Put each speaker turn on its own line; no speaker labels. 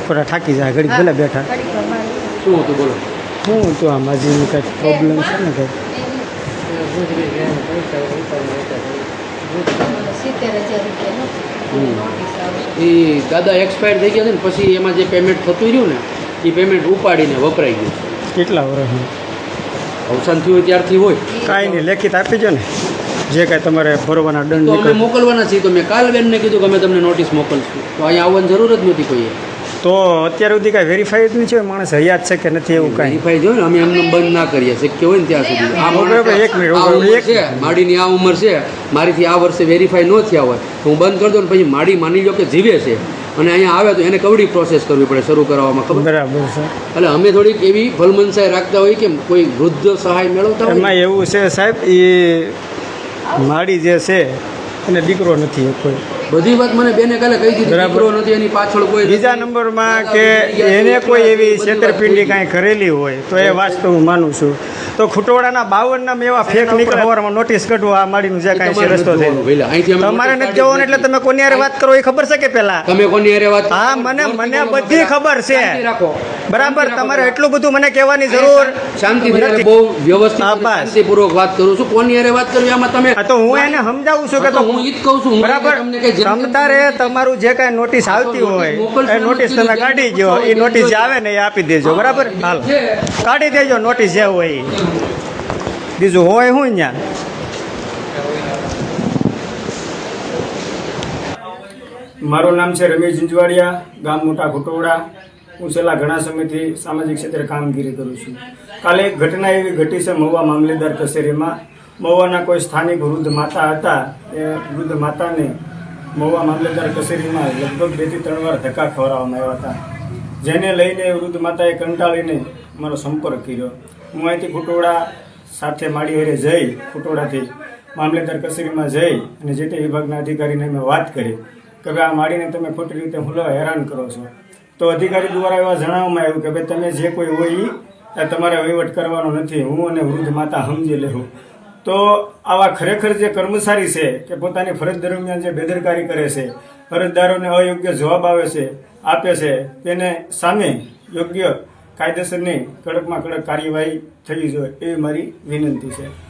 બપોરા થાકી જાય ઘડીક ભલે બેઠા
શું હતું બોલો?
હું તો આમાં જે કંઈક પ્રોબ્લેમ છે ને કંઈક
એ દાદા એક્સપાયર થઈ ગયા છે ને પછી એમાં જે પેમેન્ટ થતું રહ્યું ને એ પેમેન્ટ ઉપાડીને વપરાઈ ગયું.
કેટલા વર્ષ
અવસાન થયું હોય ત્યારથી હોય.
કાંઈ નહીં લેખિત આપી દો ને જે કાંઈ તમારે ભરવાના દંડ
તો અમે
નીકળે
મોકલવાના છીએ. તો મેં કાલ બેનને કીધું કે અમે તમને નોટિસ મોકલશું. તો અહીંયા આવવાની જરૂર જ નહોતી કોઈએ.
તો અત્યાર સુધી કાંઈ વેરીફાઈ જ નહીં છે માણસ હયાત છે કે નથી એવું કાંઈ
વેરીફાઈ જોઈએ ને અમે એમને બંધ ના કરીએ શક્ય હોય ને ત્યાં સુધી. આ
બરાબર, એક મિનિટ,
આ ઉંમર
એક
છે માડીની આ ઉંમર છે મારીથી આ વર્ષે વેરીફાઈ ન થયા હોય તો હું બંધ કરી દઉં ને પછી માડી માની લો કે જીવે છે અને અહીંયા આવે તો એને કવડી પ્રોસેસ કરવી પડે શરૂ કરવામાં ખબર.
બરાબર છે.
એટલે અમે થોડીક એવી ભલમનસાઈ રાખતા હોય કે કોઈ વૃદ્ધ સહાય મેળવતા હોય.
એમાં એવું છે સાહેબ એ માડી જે છે એને દીકરો નથી કોઈ.
બધી વાત મને બેને કાલે કહી દીધી. દીકરો નથી એની પાછળ કોઈ
બીજા નંબરમાં કે એને કોઈ એવી છેતરપિંડી કાંઈ કરેલી હોય તો એ વાત તો હું માનું છું. તો ખુટોડાના 52 નામ એવા ફેક નીકળવામાં નોટિસ કાઢવો આ માડીનું જે કાંઈ છે રસ્તો છે તમારે નથી જવાનું એટલે તમે કોની હારે વાત કરો એ ખબર છે કે પહેલા
તમે કોની હારે વાત?
હા મને બધી ખબર છે
રાખો
બરાબર. તમારે એટલું બધું મને કહેવાની જરૂર
શાંતિથી બહુ વ્યવસ્થિત શાંતિપૂર્વક વાત કરું છું. કોની હારે વાત કરવી આમાં તમે?
તો હું એને સમજાવું છું કે
તો હું ઈ જ કહું છું
બરાબર તમતારે તમારું જે કાંઈ નોટિસ આવતી હોય એ નોટિસ તમે કાઢી દો. એ નોટિસ જે આવે ને એ આપી દેજો બરાબર. હાલ કાઢી દેજો નોટિસ જે હોય એ. બીજું હોય શું ત્યાં મારું નામ છે રમેશ ઝીંઝવાડિયા, ગામ મોટા ખુટોડા. હું છેલ્લા ઘણા સમયથી સામાજિક ક્ષેત્રે કામગીરી કરું છું. કાલે એક ઘટના એવી ઘટી છે મહુવા મામલેદાર કચેરીમાં. મહુવાના કોઈ સ્થાનિક વૃદ્ધ માતા હતા. એ વૃદ્ધ માતાને મહુવા મામલેદાર કચેરીમાં લગભગ 2 થી 3 વાર ધક્કા ખવડાવવામાં આવ્યા હતા. જેને લઈને વૃદ્ધ માતાએ કંટાળીને મારો સંપર્ક કર્યો. હું અહીંથી ખુટોડા સાથે માડી હારે જઈ ખુટોડાથી મામલેદાર કચેરીમાં જઈ અને જે તે વિભાગના અધિકારીને મેં વાત કરી કે ભાઈ આ માડીને તમે ખોટી રીતે હુમલા હેરાન કરો છો. તો અધિકારી દ્વારા એવા જણાવવામાં આવ્યું કે ભાઈ તમે જે કોઈ હોય એ તમારે વહીવટ કરવાનો નથી, હું અને વૃદ્ધ માતા સમજી લેવું. તો આવા ખરેખર જે કર્મચારી છે કે પોતાની ફરજ દરમિયાન જે બેદરકારી કરે છે, ફરજદારોને અયોગ્ય જવાબ આપે છે તેને સામે યોગ્ય કાયદેસરની કડકમાં કડક કાર્યવાહી થવી જોઈએ એવી મારી વિનંતી છે.